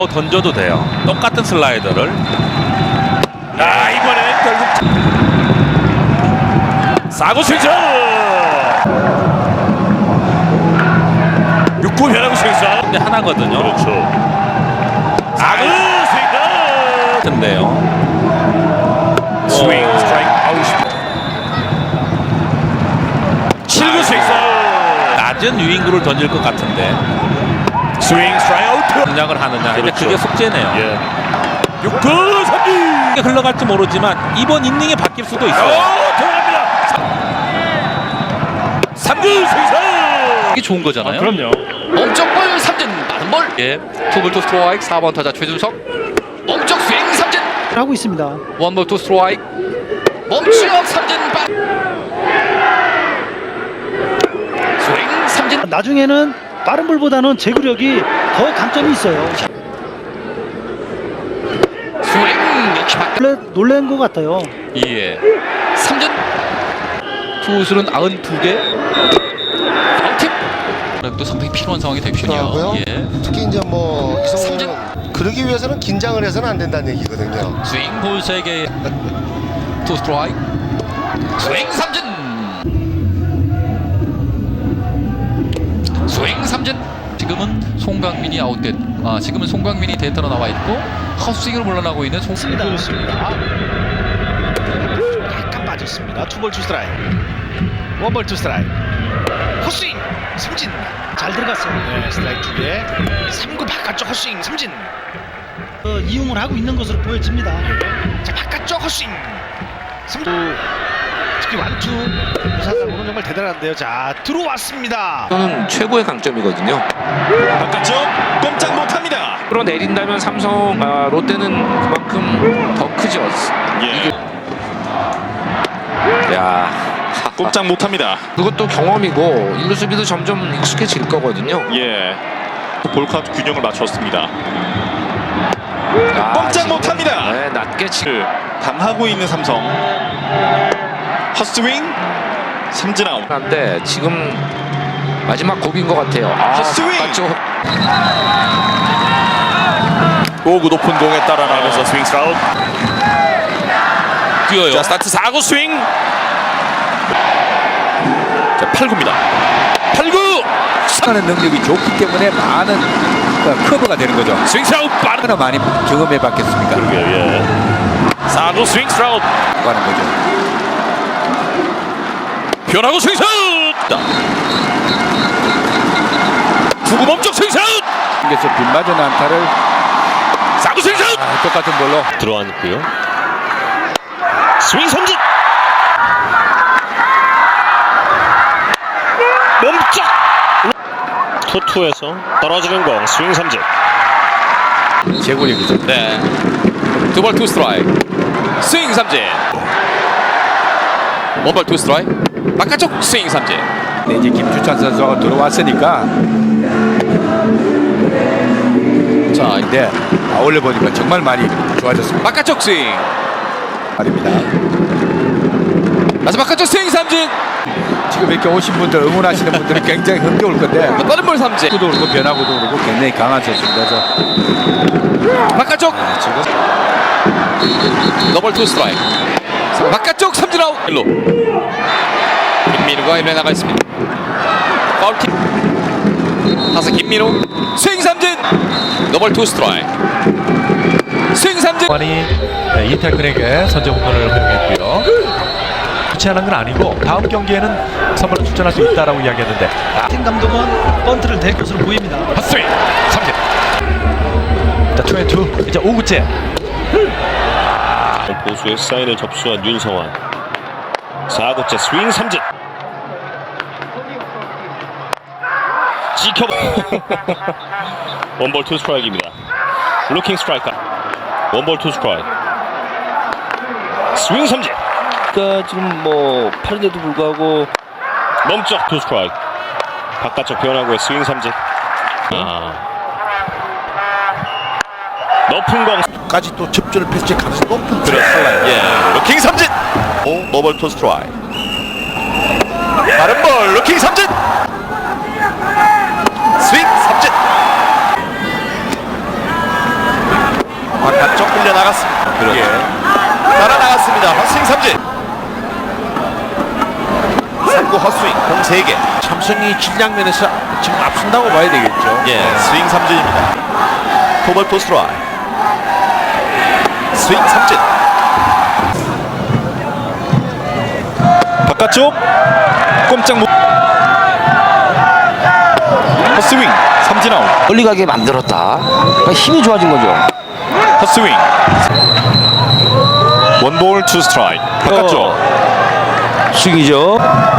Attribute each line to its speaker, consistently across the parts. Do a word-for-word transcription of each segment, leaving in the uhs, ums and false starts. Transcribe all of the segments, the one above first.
Speaker 1: 던져도 돼요. 똑같은 슬라이더를. 아, 이번엔 결국 사구 스윙. 육 구 변화구 스윙. 근데 하나거든요.
Speaker 2: 그렇죠.
Speaker 1: 사구 스윙. 근데요. 스윙 스트라이크 아웃. 칠 구 스윙. 낮은 유인구를 던질 것 같은데. 스윙 스트라이크 아웃. 공략을 하느냐. 근데
Speaker 2: 그렇죠.
Speaker 1: 그게 숙제네요.
Speaker 2: 예.
Speaker 1: 육 구 삼진. 흘러갈지 모르지만 이번 인닝에 바뀔 수도 있어요.
Speaker 2: 오, 들어갑니다.
Speaker 1: 삼 구 스윙.
Speaker 3: 이게 좋은 거잖아요.
Speaker 2: 아, 그럼요.
Speaker 3: 멈쩍 볼 삼진 빠른 볼. 예. 투볼 투 스트라이크 사 번 타자 최준석. 멈쩍 스윙 삼진.
Speaker 4: 하고 있습니다.
Speaker 3: 원볼 투 스트라이크. 멈추어 삼진 빠. 스윙 삼진.
Speaker 4: 나중에는 빠른 볼보다는 제구력이 더 강점이 있어요.
Speaker 3: 스윙 역시 바깥.
Speaker 4: 놀래, 놀란 것 같아요.
Speaker 3: 예. 삼진. 투수는 구십이 개. 아웃팁. 또 상당히 필요한 상황이 되군요.
Speaker 5: 하고요.
Speaker 3: 예.
Speaker 5: 특히 이제 뭐
Speaker 3: 삼진.
Speaker 5: 이성훈은 그러기 위해서는 긴장을 해서는 안 된다는 얘기거든요.
Speaker 3: 스윙 볼 세 개. 투 스트라이크. 스윙 삼진. 스윙 삼진. 지금은 송강민이 아웃됐. 아 지금은 송강민이 데이터로 나와 있고 헛스윙을 물러나고 있는 송.
Speaker 6: 그렇습니다. 약간 빠졌습니다. 투볼 투 스트라이크. 원볼 투 스트라이크. 헛스윙 삼진.
Speaker 4: 잘 들어갔어요.
Speaker 6: 네, 스트라이크 두 개. 삼 구 바깥쪽 헛스윙 삼진.
Speaker 4: 어, 이용을 하고 있는 것으로 보여집니다.
Speaker 6: 자 바깥쪽 헛스윙. 삼 구. 특히 완투 무사상으로는 정말 대단한데요. 자 들어왔습니다.
Speaker 7: 저는 최고의 강점이거든요.
Speaker 2: 바깥쪽 꼼짝 못합니다.
Speaker 7: 끌어내린다면 삼성, 아, 롯데는 그만큼 더 크죠.
Speaker 2: 예.
Speaker 7: 야,
Speaker 2: 꼼짝 못합니다.
Speaker 7: 그것도 경험이고 일루 수비도 점점 익숙해질 거거든요.
Speaker 2: 예. 볼카운트 균형을 맞췄습니다.
Speaker 7: 야,
Speaker 2: 꼼짝
Speaker 7: 지금,
Speaker 2: 못합니다.
Speaker 7: 네, 낮게 치.
Speaker 2: 당하고 있는 삼성. 헛스윙 삼진 아웃.
Speaker 7: 한데 지금 마지막 고비인 것 같아요. 아,
Speaker 2: 헛스윙!
Speaker 7: 바깥쪽.
Speaker 2: 오구 높은 공에 따라 나가면서 스윙 스라웃.
Speaker 1: 뛰어요.
Speaker 2: 자 스타트 사 구 스윙. 자 팔 구입니다. 팔 구.
Speaker 8: 하는 능력이 좋기 때문에 많은 그 커버가 되는 거죠.
Speaker 2: 스윙 스라웃 빠르.
Speaker 8: 얼마나 많이 경험해 봤겠습니까?
Speaker 2: 예. 사 구 스윙 스라웃.
Speaker 8: 가는 거죠.
Speaker 2: 변하고 스윙 스라웃. 구 구 멈쩍 스윙 스라웃.
Speaker 8: 그래서 빗맞은 안타를
Speaker 2: 사 구 스윙 스라웃.
Speaker 8: 아, 똑같은 볼로
Speaker 2: 들어왔고요. 스윙 삼진. 멈쩍. 투투에서 떨어지는 공 스윙 삼진.
Speaker 8: 제구력이죠.
Speaker 3: 네. 투볼 투 스트라이크. 스윙 삼진. 원볼 투 스트라이크. 바깥쪽 스윙 삼진.
Speaker 8: 네, 이제 김주찬 선수가 들어왔으니까
Speaker 3: 자
Speaker 8: 네, 아울러 보니까 정말 많이 좋아졌습니다.
Speaker 3: 바깥쪽 스윙.
Speaker 8: 말입니다.
Speaker 3: 마지막 바깥쪽 스윙 삼진.
Speaker 8: 지금 이렇게 오신 분들 응원하시는 분들이 굉장히 흥겨울 건데
Speaker 3: 빠른 볼 삼진.
Speaker 8: 구도 그렇고 변화구도 그렇고 굉장히 강한 선수입니다. 저.
Speaker 3: 바깥쪽. 더블 투 스트라이크. 바깥쪽 삼진 아웃. 일루. 김민우가 일루에 나가 있습니다. 파울킥. 타석 김민우. 스윙 삼진. 더블 투 스트라이크. 스윙 삼진.
Speaker 9: 많이 이태근에게 선제 홈런을 허용했고요. 그렇지 않은 건 아니고 다음 경기에는 선발로 출전할 수 있다라고 이야기했는데
Speaker 4: 팀 감독은 번트를 댈 것으로 보입니다.
Speaker 9: 헛스윙 삼진. 자 투 앤 투 이제 오 구째.
Speaker 2: 보수의 사인을 접수한 윤성환. 사 구째 스윙 삼진. 지켜. 원볼 투 스트라이크입니다. 루킹 스트라이크. 원볼 투 스트라이크. 스윙 삼진.
Speaker 10: 그러니까 지금 뭐 팔인데도 불구하고
Speaker 2: 멈쩍 투 스트라이크. 바깥쪽 변화구의 스윙 삼진. 아. 높은 공.
Speaker 8: 까지 또 접전을 펼칠 가능성이 높은
Speaker 2: 그렇습니다. 예. 루킹 삼진. 오, 노볼 투 스트라이크. 빠른 볼 루킹 삼진. 스윙 삼진.
Speaker 1: 반쪽 흘려 나갔습니다. 그렇죠. 따라 나갔습니다. 헛스윙 삼진. 삼 구 헛스윙 공 세 개.
Speaker 8: 삼성이 질량 면에서 지금 앞선다고 봐야 되겠죠.
Speaker 1: 예, 스윙 삼진입니다. 투볼 투 스트라이크. 스윙 삼진.
Speaker 2: 바깥쪽 꼼짝 못. 헛스윙 삼진 아웃.
Speaker 10: 멀리 가게 만들었다. 그러니까 힘이 좋아진 거죠.
Speaker 2: 헛스윙. 원볼 투 스트라이크. 바깥쪽
Speaker 10: 스윙이죠.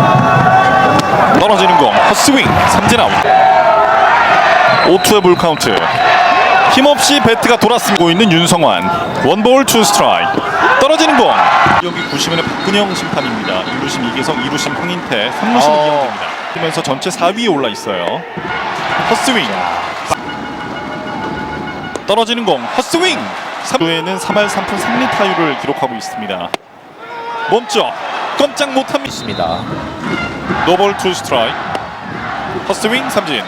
Speaker 2: 떨어지는 공 헛스윙 삼진 아웃. 오 투의 볼 카운트. 힘없이 배트가 돌아쓰고 있는 윤성환. 원볼 투 스트라이크. 떨어지는 공. 여기 구심은의 박근영 심판입니다. 일 루심 이계성, 이 루심 황인태, 삼 루심 이영재입니다. 그러면서 전체 사 위에 올라 있어요. 헛스윙. 떨어지는 공 헛스윙. 삼 루에는 삼 할 삼 푼 삼 리 타율을 기록하고 있습니다. 멈춰 꼼짝 못합니다. 노볼 투 스트라이크. 헛스윙 삼진.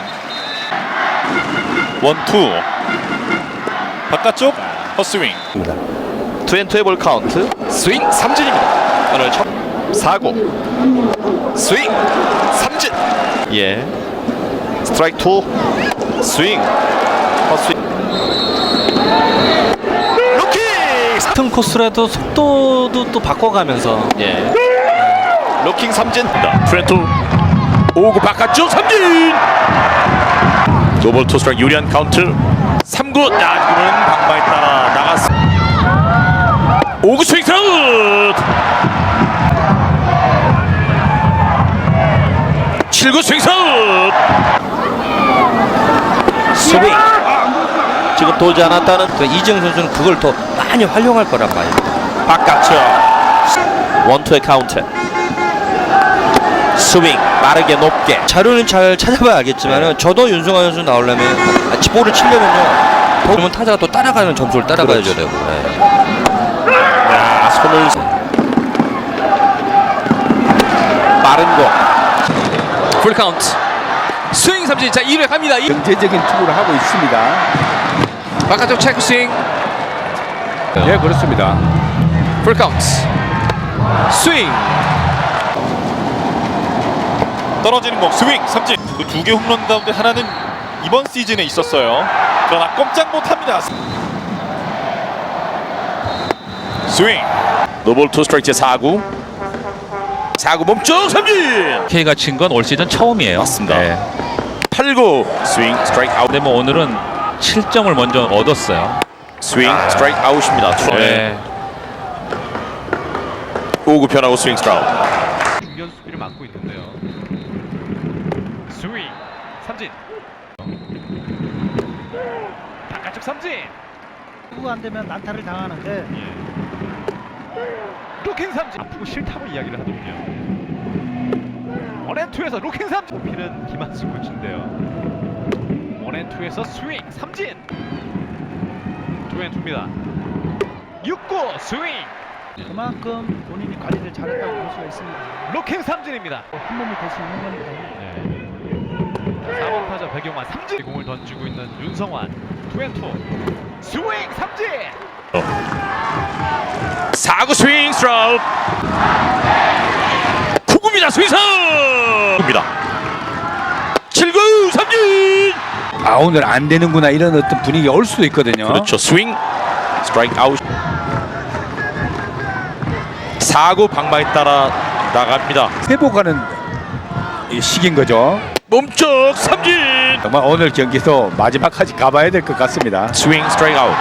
Speaker 2: 원투. 바깥쪽 헛스윙.
Speaker 1: 투앤투의 볼 카운트. 스윙 삼진입니다. 오늘 첫 사 구 스윙 삼진. 예. 스트라이크 투. 스윙 헛스윙. 루킹.
Speaker 3: 같은 코스라도 속도도 또 바꿔가면서
Speaker 1: 예. 루킹 삼진. 트렌투 오 구 바깥쪽 삼진. 노볼 투 스트라이크 유리한 카운트. 삼 구. 야, 지금은 방망이 따라 나갔습니다. 오 구 스윙 아웃. 칠 구 스윙 아웃.
Speaker 3: 스윙. 지금 도지 않았다는 그 이정 선수는 그걸 더 많이 활용할 거란 말이에요.
Speaker 1: 바깥쪽 원투의 카운트. 스윙 빠르게 높게.
Speaker 3: 자료는 잘 찾아봐야 알겠지만은 저도 윤승환 선수 나오려면 아, 볼을 치려면요. 그러면 타자가 또 따라가는 점수를 따라가야죠 되고. 네.
Speaker 1: 야, 손을 빠른 공. 풀 카운트. 스윙 삼진. 자, 이 회 갑니다.
Speaker 8: 경제적인 투구를 하고 있습니다.
Speaker 1: 바깥쪽 체크 스윙.
Speaker 8: 예, 그렇습니다.
Speaker 1: 풀 카운트. 스윙.
Speaker 2: 떨어지는 공 스윙 삼진. 그 두 개 홈런 가운데 하나는 이번 시즌에 있었어요. 그러나 꼼짝 못합니다. 스윙.
Speaker 1: 노볼 투 스트라이크 사 구. 사 구 몸쪽 삼진.
Speaker 9: K가 친 건 올 시즌 처음이에요.
Speaker 1: 맞습니다.
Speaker 9: 네.
Speaker 1: 팔 구 스윙 스트라이크 아웃.
Speaker 9: 근데 뭐 오늘은 칠 점을 먼저 얻었어요.
Speaker 1: 스윙 스트라이크 아웃입니다.
Speaker 9: 네.
Speaker 1: 오 구 변하고 스윙 스트라이크.
Speaker 9: 중견 수비를 맡고 있는데요. 스윙 삼진. 바깥쪽 삼진.
Speaker 4: 후안 되면 난타를 당하는데
Speaker 9: 로킹 삼진. 아프고 싫다고 이야기를 하더군요. 원앤투에서 로킹 삼진. 필은 김한수 코치인데요. 원앤투에서 스윙 삼진. 투앤투입니다. 육 구 스윙.
Speaker 4: 그만큼 본인이 관리를 잘했다고 볼 수가 있습니다.
Speaker 9: 로킹 삼진입니다.
Speaker 4: 한 몸이 될 수 있는 겁니다.
Speaker 9: 사 번 타자 백용환 삼진. 공을 던지고 있는 윤성환 투앤투 스윙 삼진.
Speaker 1: 사 구 스윙 스트라이크. 구 구입니다. 스윙 스트라이크입니다. 칠 구 삼진.
Speaker 8: 아, 오늘 안 되는구나 이런 어떤 분위기가 올 수도 있거든요.
Speaker 1: 그렇죠. 스윙 스트라이크 아웃. 사 구 방망이 따라 나갑니다.
Speaker 8: 회복하는 이 시기인 거죠.
Speaker 1: 몸쪽 삼진.
Speaker 8: 정말 오늘 경기도 마지막까지 가봐야 될 것 같습니다.
Speaker 1: 스윙 스트라이크 아웃.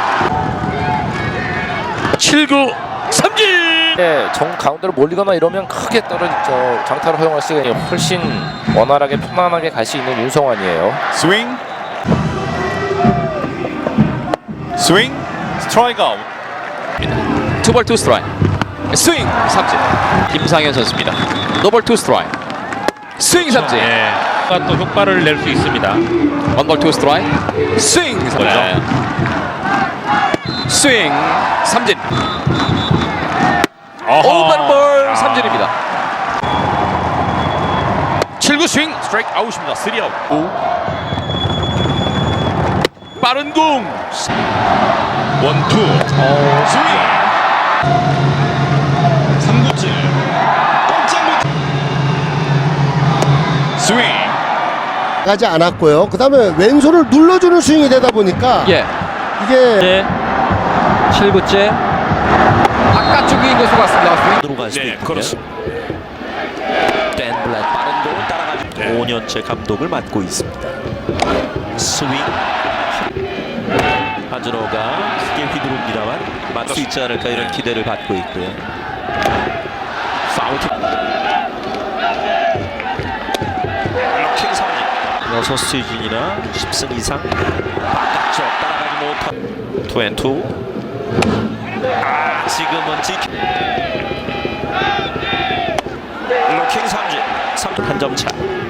Speaker 1: 칠 구 삼진.
Speaker 10: 네, 정 가운데로 몰리거나 이러면 크게 떨어지죠. 장타를 허용할 수가 있는 훨씬 원활하게 편안하게 갈 수 있는 윤성환이에요.
Speaker 2: 스윙. 스윙 스트라이크 아웃.
Speaker 3: 투볼 투 스트라이크. 스윙 삼진. 김상현 선수입니다. 노볼 투 스트라이크. 스윙 삼진.
Speaker 9: 예. 또 효과를 낼 수 있습니다.
Speaker 3: 원볼 투 스트라이크. 스윙 삼진.
Speaker 9: 네.
Speaker 3: 스윙 삼진. 오픈 볼 삼진입니다.
Speaker 1: 칠 구 스윙 스트라이크 아웃입니다. 쓰리 아웃. 오. 빠른 공.
Speaker 2: 원투 스윙 삼 구째 꼼짝 못 스윙
Speaker 5: 가지 않았고요. 그 다음에 왼손을 눌러주는 스윙이 되다 보니까
Speaker 8: 예.
Speaker 5: 이게
Speaker 8: 칠 구째 바깥쪽에 있는 것으로 같습니다. 스윙.
Speaker 9: 들어갈 수도
Speaker 1: 네,
Speaker 9: 있고요.
Speaker 1: 그렇습니다.
Speaker 9: 댄 블랙 빠른 공을 따라가죠.
Speaker 1: 네.
Speaker 9: 오 년째 감독을 맡고 있습니다. 스윙. 하즈로가 크게 휘두릅니다만 맞을 수 있지 않을까 이런 기대를 받고 있고요. 파울.
Speaker 1: 럭킹 삼진.
Speaker 9: 여섯 시즌이나 십 승 이상 바깥쪽 따라가지 못한 투앤투. 아, 지금은 지키
Speaker 1: 럭킹 삼진.
Speaker 9: 한 점 차.